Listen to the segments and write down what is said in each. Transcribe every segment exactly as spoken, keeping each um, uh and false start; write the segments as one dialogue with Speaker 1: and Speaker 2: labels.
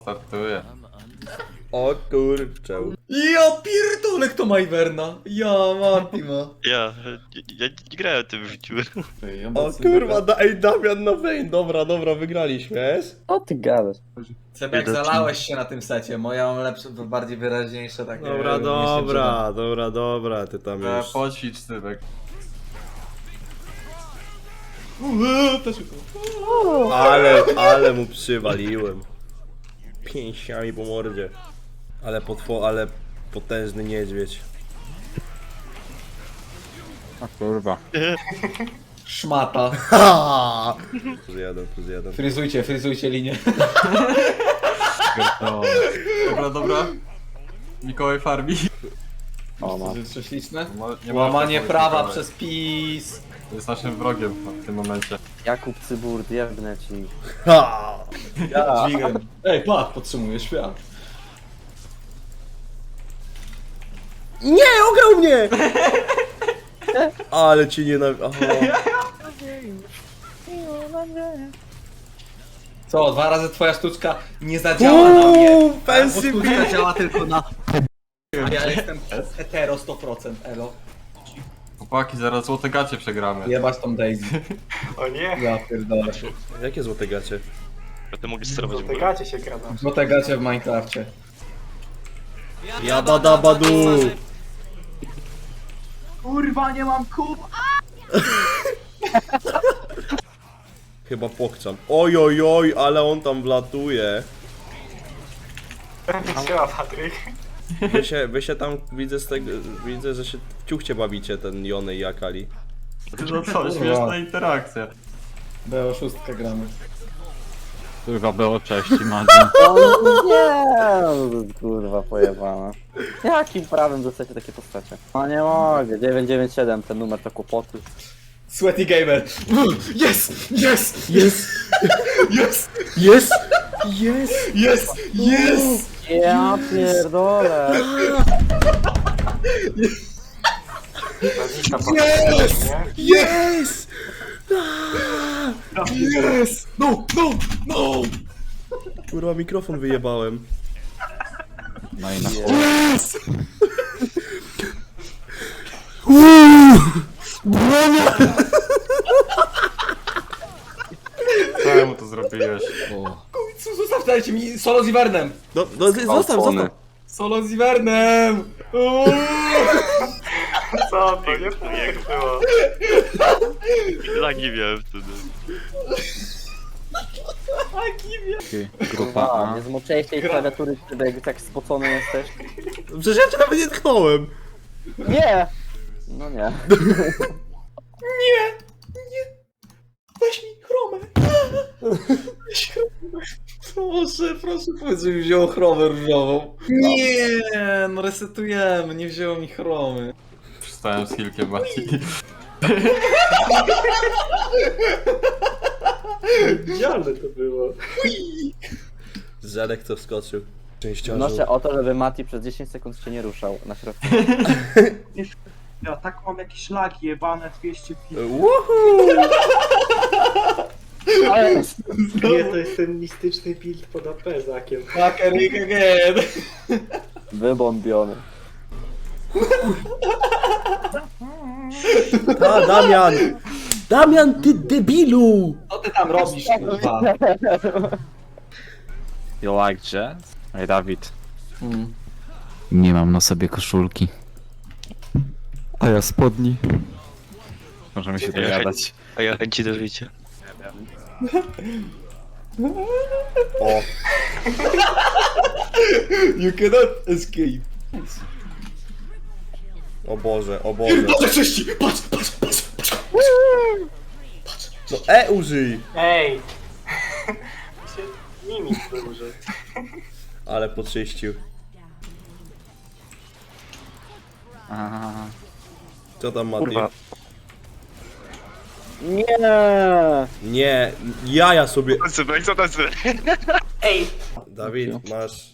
Speaker 1: Startuję.
Speaker 2: O kurczę.
Speaker 3: Ja pierdolę, kto ma Iverna? Ja, Mati ma.
Speaker 4: Ja, ja nie grałem tym w życiu.
Speaker 2: O kurwa, da, ej Damian na Vayne. Dobra, dobra, wygraliśmy, jest?
Speaker 5: O ty gadasz.
Speaker 3: Cebek, zalałeś się na tym secie, moja mam lepsze, bardziej wyraźniejsze takie...
Speaker 2: Dobra, dobra, dobra, dobra, ty tam
Speaker 1: E,
Speaker 2: już.
Speaker 1: poćwicz Cybek.
Speaker 2: Ale, ale mu przywaliłem. Pięściami po mordzie. Ale potwo, ale potężny niedźwiedź.
Speaker 6: A kurwa.
Speaker 3: Szmata.
Speaker 2: Ha! Plus jeden, plus jeden.
Speaker 3: Fryzujcie, fryzujcie linię.
Speaker 1: Dobra, dobra. Mikołaj farmi.
Speaker 5: O ma.
Speaker 3: To śliczne?
Speaker 1: No, nie ma
Speaker 3: Łamanie
Speaker 1: takiego
Speaker 3: prawa
Speaker 1: Mikołaja.
Speaker 3: przez PiS.
Speaker 1: To jest naszym wrogiem w tym momencie.
Speaker 5: Jakub Cyburt, jebnę ci.
Speaker 2: Ha!
Speaker 3: Ja. Dźwigiem. Ej, patrz, podtrzymuję świat.
Speaker 2: Nie, ograł mnie! Ale ci nienawidzę.
Speaker 3: Co, dwa razy twoja sztuczka nie zadziała na mnie.
Speaker 2: Uuu,
Speaker 3: Bo
Speaker 2: fancy
Speaker 3: sztuczka działa tylko na... A ja jestem hetero sto procent, elo.
Speaker 1: Chłopaki, zaraz złote gacie przegramy.
Speaker 3: Jebać tą Daisy.
Speaker 7: O nie,
Speaker 3: Ja pierdolę.
Speaker 2: Jakie złote gacie?
Speaker 4: Będę mogę sterować w ogóle.
Speaker 7: dotykacie się gada.
Speaker 3: Złote gacie w Minecrafcie.
Speaker 2: Jabadabadu!
Speaker 7: Kurwa, nie mam kup!
Speaker 2: Chyba pokczam. Oj, oj, oj, ale on tam wlatuje.
Speaker 7: Siema, Patryk.
Speaker 2: Wy się, wy się tam, widzę z tego, widzę, że się w ciuchcie bawicie, ten Jony i Akali.
Speaker 1: No co, śmieszna interakcja.
Speaker 3: B o sześć gramy.
Speaker 6: Kurwa było, cześć, Madzi.
Speaker 5: O nie, no, kurwa pojebana. Jakim prawem dostajecie takie postacie? No nie mogę, dziewięć dziewięć siedem, ten numer to kłopoty.
Speaker 3: Sweaty Gamer. Yes! Yes!
Speaker 2: Jest!
Speaker 3: Jest!
Speaker 2: Jest! Jest!
Speaker 3: Jest! Jest!
Speaker 5: Ja pierdolę.
Speaker 7: Nazwiska Patryk, nie?
Speaker 2: Jest!
Speaker 3: Yes! No! No! No!
Speaker 2: Kurwa, mikrofon wyjebałem.
Speaker 6: No i na
Speaker 3: Yes!
Speaker 1: Czemu to zrobiłeś?
Speaker 3: Końcu, zostaw, dajcie mi solo z Ivernem!
Speaker 2: No, no zostaw, zostaw!
Speaker 3: Solo z Ivernem! Uuu.
Speaker 7: Co to, nie tak było.
Speaker 4: Lagi miałem wtedy.
Speaker 6: grupa
Speaker 5: A,
Speaker 6: A.
Speaker 5: nie zmoczyłeś tej klawiatury, Cybek, tak spocony jesteś?
Speaker 2: Przecież ja cię nawet nie tknąłem!
Speaker 5: Nie! No nie.
Speaker 3: Nie! Nie! Weź mi chromę! Weź chromę! Proszę, proszę powiedz, że mi wzięło chromę różową. Nie! No resetujemy, nie wzięło mi chromy.
Speaker 1: Przystałem z Hilkiem, Mati.
Speaker 7: Idealne to było.
Speaker 2: Zedek to wskoczył. Częściarzu.
Speaker 5: Wnoszę o to, żeby Mati przez dziesięć sekund się nie ruszał na środku.
Speaker 7: Ja tak mam jakieś lagi jebane dwieście
Speaker 2: Woohoo!
Speaker 5: Ale...
Speaker 7: Nie, to jest ten mistyczny build pod A P zakiem.
Speaker 3: Fucker again!
Speaker 5: Wybombiony.
Speaker 2: A, Damian! Damian, ty debilu!
Speaker 3: Co ty tam robisz, kurwa?
Speaker 6: You like jazz? Ej, Dawid.
Speaker 3: Hmm.
Speaker 6: Nie mam na sobie koszulki. A ja spodni. Możemy się dogadać.
Speaker 4: A ja chęci do życia.
Speaker 2: O,
Speaker 3: You cannot escape.
Speaker 2: o Boże, o Boże.
Speaker 3: Boże cześci! Patrz, patrz, patrz, patrz!
Speaker 2: No E użyj!
Speaker 7: Ej! się mimik duży.
Speaker 2: Ale poczyścił.
Speaker 6: Aha.
Speaker 2: Co tam, Mati?
Speaker 4: Kurwa.
Speaker 5: Nie!
Speaker 2: Nie, jaja sobie...
Speaker 4: Cybek, co to jest?
Speaker 7: Ej!
Speaker 2: Dawid, masz...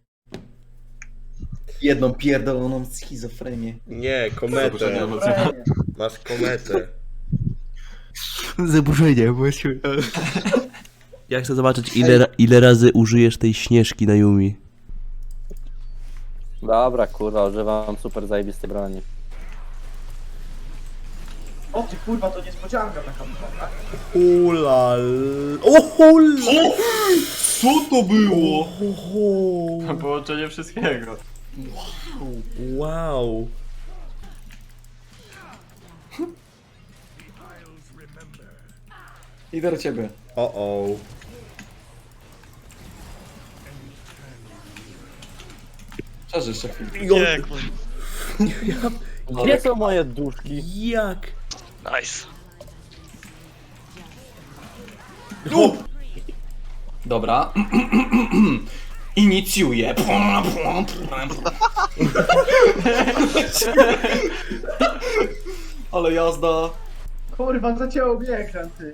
Speaker 3: Jedną pierdoloną schizofrenię.
Speaker 2: Nie,
Speaker 1: Zaburzenie
Speaker 2: kometę.
Speaker 1: emocjonalne.
Speaker 2: Masz kometę.
Speaker 3: Zaburzenie, bo się...
Speaker 2: Ja chcę zobaczyć ile, ra- ile razy użyjesz tej śnieżki na Yumi.
Speaker 5: Dobra, kurwa, używam super zajebistej broni.
Speaker 7: O ty kurwa, to niespodzianka taka.
Speaker 2: Ulal. O hul!
Speaker 3: Co to było?
Speaker 1: Połączenie wszystkiego.
Speaker 2: Wow.
Speaker 3: Idę do ciebie.
Speaker 2: O o.
Speaker 3: Przeżyj jeszcze chwilę.
Speaker 4: Nie, kurwa.
Speaker 5: Gdzie są moje duszki?
Speaker 2: Jak?
Speaker 4: Nice.
Speaker 3: Dobra. Inicjuję. Ale jazda.
Speaker 7: Kurwa, zacięło mnie ekran, ty.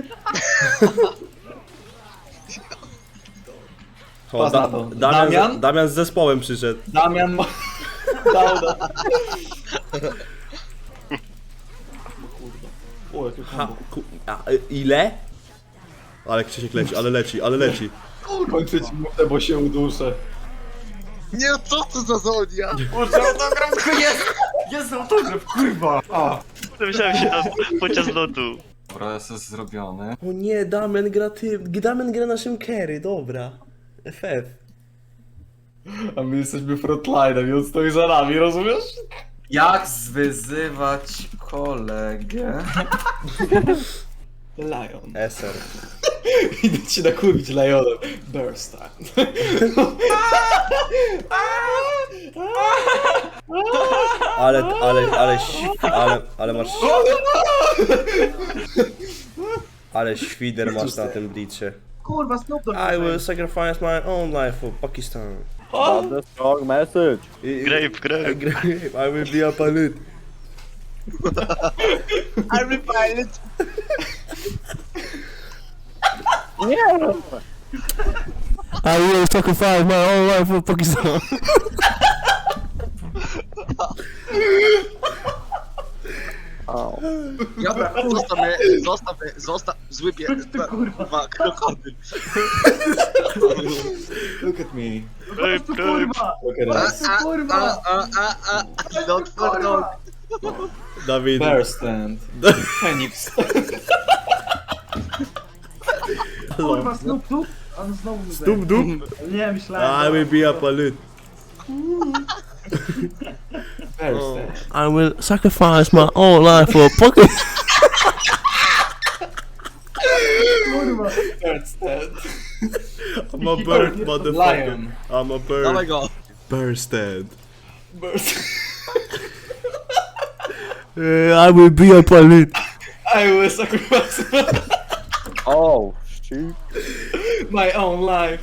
Speaker 2: O,
Speaker 3: Pas
Speaker 2: da,
Speaker 3: na to.
Speaker 2: Damian,
Speaker 3: Damian?
Speaker 2: Damian z zespołem przyszedł.
Speaker 3: Damian ma... Dał do... O, jakie
Speaker 2: Ha,
Speaker 3: kombo.
Speaker 2: ku, a, y, ile? Ale Krzysiek leci, ale leci, ale leci.
Speaker 3: Kończyć minutę, bo się uduszę.
Speaker 8: Nie, co to za zonia?
Speaker 1: Boże, autograf jest! Jest autograf, kurwa! A.
Speaker 4: Myślałem się na, podczas lotu.
Speaker 1: Dobra, jest zrobiony.
Speaker 2: O nie, Damian gra ty, Damian gra naszym carry, dobra. F F.
Speaker 3: A my jesteśmy frontlinem i on stoi za nami, rozumiesz?
Speaker 9: Jak zwyzywać kolegę?
Speaker 3: Lion.
Speaker 2: S R.
Speaker 3: Idę ci nakurwić Lionem. Burst time.
Speaker 2: Ale, ale, ale, ś- ale, ale masz... Ale świder masz na tym blicie.
Speaker 7: Kurwa, Snoop Dogg.
Speaker 2: I will sacrifice my own life for Pakistan.
Speaker 5: That's a strong message.
Speaker 4: Grape, grape.
Speaker 2: I will be a pilot.
Speaker 8: I'm pilot.
Speaker 5: Nie!
Speaker 2: I will sacrifice my own life for Pakistan.
Speaker 5: Au.
Speaker 8: Dobra, zostaw mnie, zostaw mnie, zostaw, zły pies, kurwa, krokodyl.
Speaker 3: Look at me.
Speaker 4: Grape, grape.
Speaker 7: Kurwa.
Speaker 3: Look at
Speaker 8: A,
Speaker 3: us.
Speaker 8: a,
Speaker 7: Kurwa.
Speaker 8: a, a, a, a, not for dog.
Speaker 2: Dawid.
Speaker 3: Bear stand. Phoenix.
Speaker 7: Kurwa, Snoop Dogg. On znowu mnie
Speaker 2: Dup, dup.
Speaker 7: Nie, myślałem.
Speaker 2: I will be a pilot.
Speaker 3: Bear stand.
Speaker 2: I will sacrifice my own life for Pakistan.
Speaker 7: Kurwa.
Speaker 3: Bear stand.
Speaker 2: I'm a bird, motherfucker.
Speaker 3: Lion.
Speaker 2: I'm a
Speaker 8: Dawaj
Speaker 2: bird.
Speaker 8: go.
Speaker 2: Bird stand.
Speaker 3: Bear stand.
Speaker 2: Uh, I will be a pilot.
Speaker 3: I will sacrifice
Speaker 5: Oh, shit.
Speaker 3: my own life.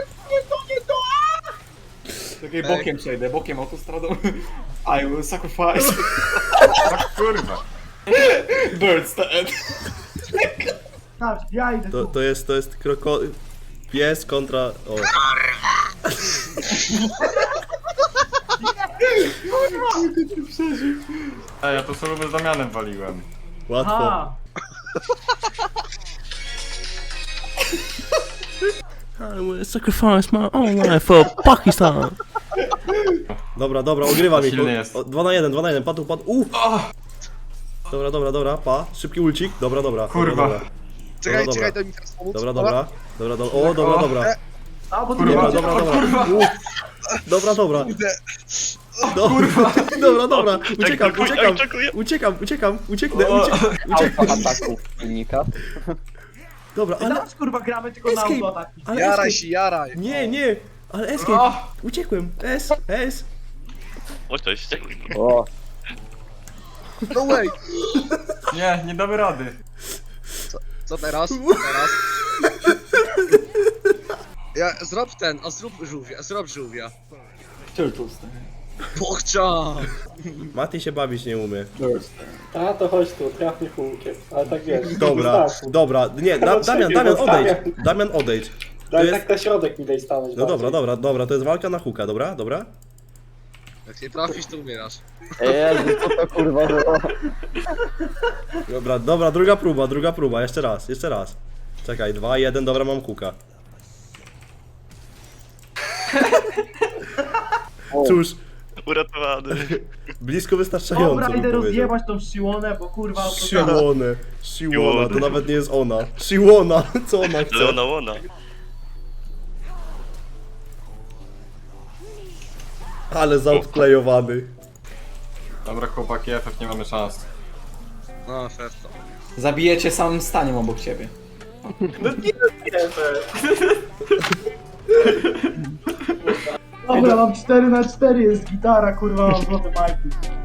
Speaker 3: Takiej bokiem przejdę, bokiem autostradą. I will sacrifice
Speaker 1: Tak, kurwa.
Speaker 3: bird stand.
Speaker 7: Tak, ja idę
Speaker 2: To,
Speaker 7: tu.
Speaker 2: to jest, to jest kroko... Pies kontra... O.
Speaker 1: Ej, ja to sobie z Damianem waliłem.
Speaker 2: Łatwo.
Speaker 7: A,
Speaker 2: I will sacrifice my own life for Pakistan. Dobra, dobra, ogrywa mi.
Speaker 1: Silny jest.
Speaker 2: O, dwa na jeden, dwa na jeden, padł, padł. Uh. Dobra, dobra, dobra, pa. Szybki ulcik. Dobra, dobra.
Speaker 1: Kurwa.
Speaker 2: Dobra,
Speaker 8: Czekaj,
Speaker 2: dobra.
Speaker 8: czekaj, daj mi teraz pomóc.
Speaker 2: dobra, dobra. Dobra, dobra. O, dobra, dobra.
Speaker 7: a bo tu
Speaker 1: Kurwa,
Speaker 7: nie
Speaker 2: Dobra,
Speaker 7: będzie.
Speaker 2: dobra, dobra. Uh. Dobra, dobra. Do, dobra, dobra. Uciekam,
Speaker 4: Oczekuję,
Speaker 2: uciekam.
Speaker 4: oczekuję.
Speaker 2: Uciekam, uciekam, ucieknę,
Speaker 1: O.
Speaker 2: uciekam. uciekam.
Speaker 5: Ataków silnika.
Speaker 2: Dobra, ale...
Speaker 7: Teraz kurwa gramy tylko na
Speaker 2: Escape.
Speaker 7: autoataki.
Speaker 2: ale
Speaker 8: Jaraj
Speaker 2: escape.
Speaker 8: się, jaraj.
Speaker 2: Nie, nie. Ale escape. Uciekłem. S, S.
Speaker 4: O, cześć.
Speaker 5: O,
Speaker 8: No way.
Speaker 1: Nie, nie damy rady.
Speaker 8: Co teraz? Teraz? Ja, zrób ten, a zrób żółwia, zrób żółwia.
Speaker 3: Turtle stand.
Speaker 8: Pochcia!
Speaker 2: Mati się bawić nie umie.
Speaker 3: Bird stand.
Speaker 10: A to chodź tu, traf mnie kółkiem, ale tak wiesz.
Speaker 2: Dobra,
Speaker 10: wystarczy.
Speaker 2: dobra. Nie, da, Damian, Damian, odejdź. Damian, odejdź.
Speaker 10: Daj
Speaker 2: jest-
Speaker 10: tak na środek mi daj stanąć.
Speaker 2: No
Speaker 10: bardziej.
Speaker 2: dobra, dobra, dobra, to jest walka na huka, dobra, dobra?
Speaker 8: Jak nie trafisz, to umierasz.
Speaker 5: Jezu, co to kurwa było?
Speaker 2: Dobra, dobra, druga próba, druga próba, jeszcze raz, jeszcze raz. Czekaj, dwa, jeden, dobra, mam kuka. Cóż,
Speaker 4: Uratowany.
Speaker 2: blisko wystarczająco
Speaker 7: Dobra,
Speaker 2: bym
Speaker 7: idę
Speaker 2: powiedział.
Speaker 7: rozjebać tą siłonę, bo kurwa... to-
Speaker 2: Siłonę, Siłona, to nawet nie jest ona. Siłona, co ona chce?
Speaker 4: Leona Łona.
Speaker 2: Ale zoutplayowany.
Speaker 1: Dobra chłopaki, F F nie mamy szans.
Speaker 8: No, serce.
Speaker 3: Zabijecie samym staniem obok ciebie.
Speaker 7: Dobra, mam cztery na cztery, jest gitara, kurwa, mam złote majki.